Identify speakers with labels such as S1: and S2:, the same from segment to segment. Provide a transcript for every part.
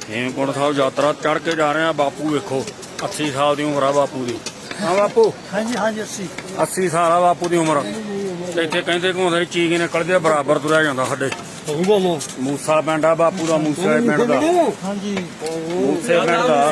S1: ਹੇਮਕੁੰਟ ਸਾਹਿਬ ਯਾਤਰਾ ਚੜ ਕੇ ਜਾ ਰਹੇ ਆ। ਬਾਪੂ ਵੇਖੋ 80 ਸਾਲ ਦੀ ਉਮਰ ਆ ਬਾਪੂ ਦੀ। ਹਾਂ ਬਾਪੂ,
S2: ਹਾਂਜੀ ਹਾਂਜੀ
S1: 80 ਸਾਲ ਆ ਬਾਪੂ ਦੀ ਉਮਰ। ਤੇ ਇੱਥੇ ਕਹਿੰਦੇ ਘੁੰਮਦੇ ਚੀਕ ਨਿਕਲਦੇ ਬਰਾਬਰ ਤੁਰਿਆ ਜਾਂਦਾ। ਸਾਡੇ ਮੂਸਾ ਪਿੰਡ ਆ ਬਾਪੂ ਦਾ, ਮੂਸੇ ਪਿੰਡ ਦਾ।
S2: ਹਾਂਜੀ
S1: ਮੂਸੇ ਪਿੰਡ ਦਾ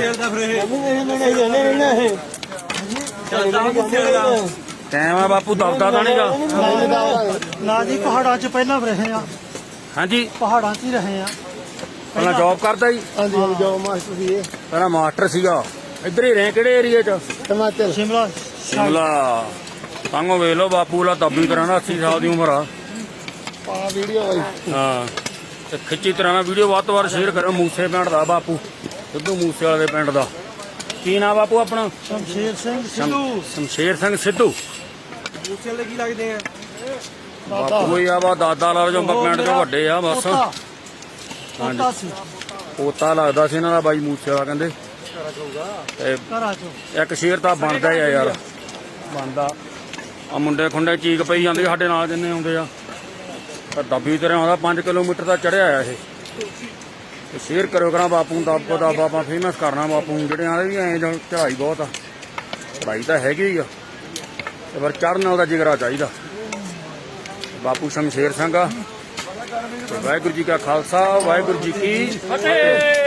S1: ਟਾਈਮ ਆ ਬਾਪੂ, ਦਬਦਾ ਤਾਂ ਨਹੀਂਗਾ
S2: ਨਾ ਜੀ, ਪਹਾੜਾਂ 'ਚ ਪਹਿਲਾਂ ਰਹੇ ਆ।
S1: ਹਾਂਜੀ,
S2: ਪਹਾੜਾਂ 'ਚ ਹੀ ਰਹੇ ਆ।
S1: ਪਹਿਲਾਂ ਜੌਬ ਕਰਦਾ ਜੀ।
S2: ਹਾਂਜੀ ਜੋਬ ਮਾਸਟਰ ਸੀ ਇਹ।
S1: ਪਹਿਲਾਂ ਮਾਸਟਰ ਸੀਗਾ। ਇੱਧਰ ਹੀ ਰਹੇ ਕਿਹੜੇ ਏਰੀਏ 'ਚ?
S2: ਟਮਾਟਰ ਸ਼ਿਮਲਾ।
S1: ਸ਼ਿਮਲਾ। ਤਾਂਗੋ ਵੇਖ ਲਓ ਬਾਪੂ ਲਾ ਦੱਬੀ ਤਰ੍ਹਾਂ ਦਾ 80 ਸਾਲ ਦੀ ਉਮਰ ਆ।
S2: ਪਾ ਵੀਡੀਓ ਬਾਈ।
S1: ਹਾਂ, ਤੇ ਖਿੱਚੀ ਤਰ੍ਹਾਂ ਨਾਲ ਵੀਡੀਓ ਵੱਧ ਤੋਂ ਵੱਧ ਸ਼ੇਅਰ ਕਰੋ। ਮੂਸੇ ਪਿੰਡ ਦਾ ਬਾਪੂ, ਸਿੱਧੂ ਮੂਸੇ ਵਾਲੇ ਦੇ ਪਿੰਡ ਦਾ। ਕੀ ਨਾਂ ਬਾਪੂ ਆਪਣਾ?
S2: ਸ਼ਮਸ਼ੇਰ ਸਿੰਘ ਸਿੱਧੂ।
S1: ਸ਼ਮਸ਼ੇਰ ਸਿੰਘ ਸਿੱਧੂ।
S2: ਮੂਸੇ ਵਾਲੇ ਕੀ ਲੱਗਦੇ ਆ?
S1: ਬਾਪੂ ਹੀ ਆ ਵਾ, ਦਾਦਾ ਲਾ ਜੋ ਪਿੰਡ ਚੋਂ ਵੱਡੇ ਆ ਬਸ।
S2: ਹਾਂਜੀ
S1: ਪੋਤਾ ਲੱਗਦਾ ਸੀ ਇਹਨਾਂ ਦਾ ਬਾਈ ਮੂਸੇ ਵਾਲਾ ਕਹਿੰਦੇ। ਤੇ
S2: ਘਰਾਂ 'ਚ
S1: ਇੱਕ ਸ਼ੇਰ ਤਾਂ ਬਣਦਾ ਹੀ ਆ ਯਾਰ, ਬਣਦਾ। ਆ ਮੁੰਡੇ ਖੁੰਡੇ ਚੀਕ ਪਈ ਜਾਂਦੇ ਸਾਡੇ ਨਾਲ ਜਿੰਨੇ ਆਉਂਦੇ ਆ। ਤਾਂ ਦੱਬੀ ਤਰ੍ਹਾਂ ਆਉਂਦਾ 5 ਕਿਲੋਮੀਟਰ ਦਾ ਚੜਿਆ ਆ ਇਹ। ਤੇ ਸ਼ੇਅਰ ਕਰਿਓ ਕਰਾਂ ਬਾਪੂ ਨੂੰ, ਦੱਬ ਦਾ ਆਪਾਂ ਫੇਮਸ ਕਰਨਾ ਬਾਪੂ ਨੂੰ। ਜਿਹੜੇ ਆਲੇ ਵੀ ਐਂ ਚੜਾਈ ਬਹੁਤ ਆ, ਚੜਾਈ ਤਾਂ ਹੈਗੀ ਹੀ ਆ, ਤੇ ਪਰ ਚੜ੍ਹਨ ਉਹਦਾ ਜਿਗਰਾ ਚਾਹੀਦਾ। ਬਾਪੂ ਸ਼ਮਸ਼ੇਰ ਸਿੰਘ ਆ। ਵਾਹਿਗੁਰੂ ਜੀ ਕਾ ਖਾਲਸਾ, ਵਾਹਿਗੁਰੂ ਜੀ ਕੀ ਫਤਿਹ।